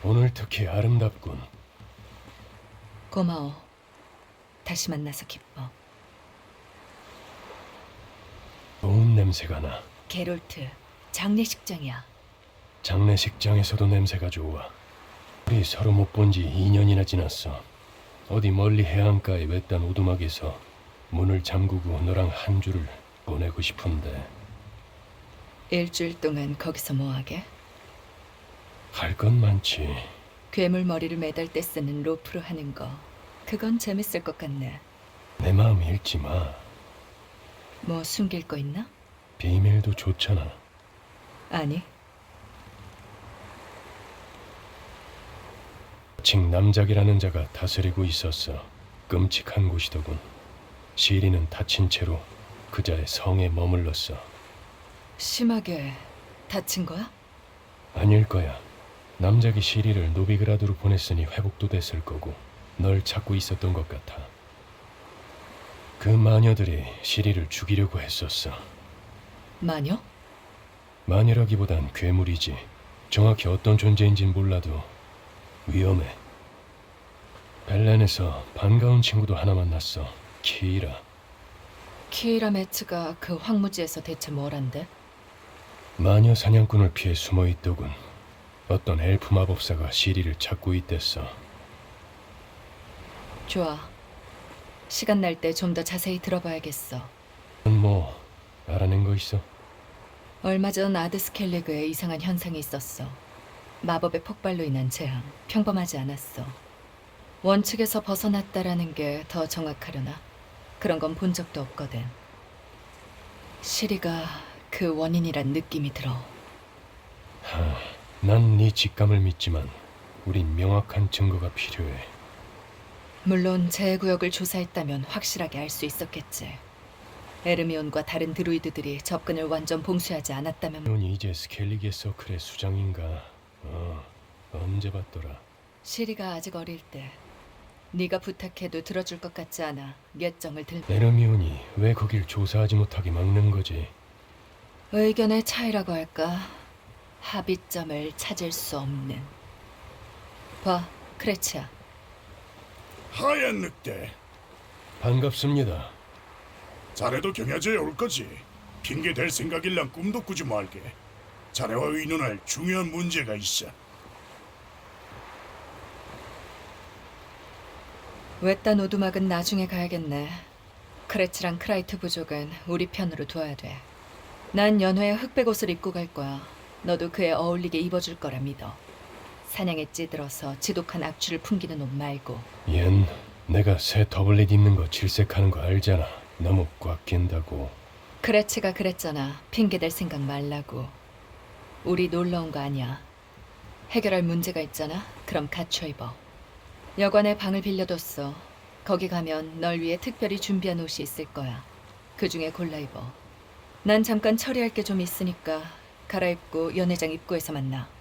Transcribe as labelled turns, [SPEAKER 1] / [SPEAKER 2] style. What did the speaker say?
[SPEAKER 1] 오늘 특히 아름답군.
[SPEAKER 2] 고마워. 다시 만나서 기뻐.
[SPEAKER 1] 좋은 냄새가 나.
[SPEAKER 2] 게롤트, 장례식장이야.
[SPEAKER 1] 장례식장에서도 냄새가 좋아. 우리 서로 못 본 지 2년이나 지났어. 어디 멀리 해안가의 외딴 오두막에서 문을 잠그고 너랑 한 주를 보내고 싶은데.
[SPEAKER 2] 일주일 동안 거기서 뭐하게?
[SPEAKER 1] 할 건 많지.
[SPEAKER 2] 괴물 머리를 매달 때 쓰는 로프로 하는 거. 그건 재밌을 것 같네.
[SPEAKER 1] 내 마음 잃지 마.
[SPEAKER 2] 뭐 숨길 거 있나?
[SPEAKER 1] 비밀도 좋잖아.
[SPEAKER 2] 아니,
[SPEAKER 1] 칭 남작이라는 자가 다스리고 있었어. 끔찍한 곳이더군. 시리는 다친 채로 그 자의 성에 머물렀어.
[SPEAKER 2] 심하게 다친 거야?
[SPEAKER 1] 아닐 거야. 남작이 시리를 노비그라드로 보냈으니 회복도 됐을 거고 널 찾고 있었던 것 같아. 그 마녀들이 시리를 죽이려고 했었어.
[SPEAKER 2] 마녀?
[SPEAKER 1] 마녀라기보단 괴물이지. 정확히 어떤 존재인진 몰라도 위험해. 벨렌에서 반가운 친구도 하나 만났어. 키이라.
[SPEAKER 2] 키이라 매츠가 그 황무지에서 대체 뭘 한대?
[SPEAKER 1] 마녀 사냥꾼을 피해 숨어 있더군. 어떤 엘프 마법사가 시리를 찾고 있댔어.
[SPEAKER 2] 좋아. 시간 날 때 좀 더 자세히 들어봐야겠어.
[SPEAKER 1] 뭐 알아낸 거 있어?
[SPEAKER 2] 얼마 전 아드스켈리그에 이상한 현상이 있었어. 마법의 폭발로 인한 재앙. 평범하지 않았어. 원칙에서 벗어났다라는 게 더 정확하려나? 그런 건 본 적도 없거든. 시리가 그 원인이란 느낌이 들어.
[SPEAKER 1] 난 네 직감을 믿지만 우린 명확한 증거가 필요해.
[SPEAKER 2] 물론 제 구역을 조사했다면 확실하게 알 수 있었겠지. 에르미온과 다른 드루이드들이 접근을 완전 봉쇄하지 않았다면.
[SPEAKER 1] 넌 이제 스켈리게 서클의 수장인가? 언제 봤더라?
[SPEAKER 2] 시리가 아직 어릴 때 네가 부탁해도 들어줄 것 같지 않아. 예정을 들.
[SPEAKER 1] 에르미온이 왜 거길 조사하지 못하게 막는 거지?
[SPEAKER 2] 의견의 차이라고 할까? 합의점을 찾을 수 없는. 봐, 크레치야.
[SPEAKER 3] 하얀 늑대.
[SPEAKER 1] 반갑습니다.
[SPEAKER 3] 자네도 경야제에 올 거지. 핑계 댈 생각일랑 꿈도 꾸지 말게. 자네와 의논할 중요한 문제가 있어.
[SPEAKER 2] 외딴 오두막은 나중에 가야겠네. 크레치랑 크라이트 부족은 우리 편으로 둬야 돼. 난 연회에 흑백 옷을 입고 갈 거야. 너도 그에 어울리게 입어줄 거라 믿어. 사냥에 찌들어서 지독한 악취를 풍기는 옷 말고.
[SPEAKER 1] 얜 내가 새 더블릿 입는 거 질색하는 거 알잖아. 너무 꽉 낀다고.
[SPEAKER 2] 크레치가 그랬잖아. 핑계댈 생각 말라고. 우리 놀러 온 거 아니야. 해결할 문제가 있잖아. 그럼 갖춰 입어. 여관에 방을 빌려뒀어. 거기 가면 널 위해 특별히 준비한 옷이 있을 거야. 그 중에 골라 입어. 난 잠깐 처리할 게 좀 있으니까 갈아입고 연회장 입구에서 만나.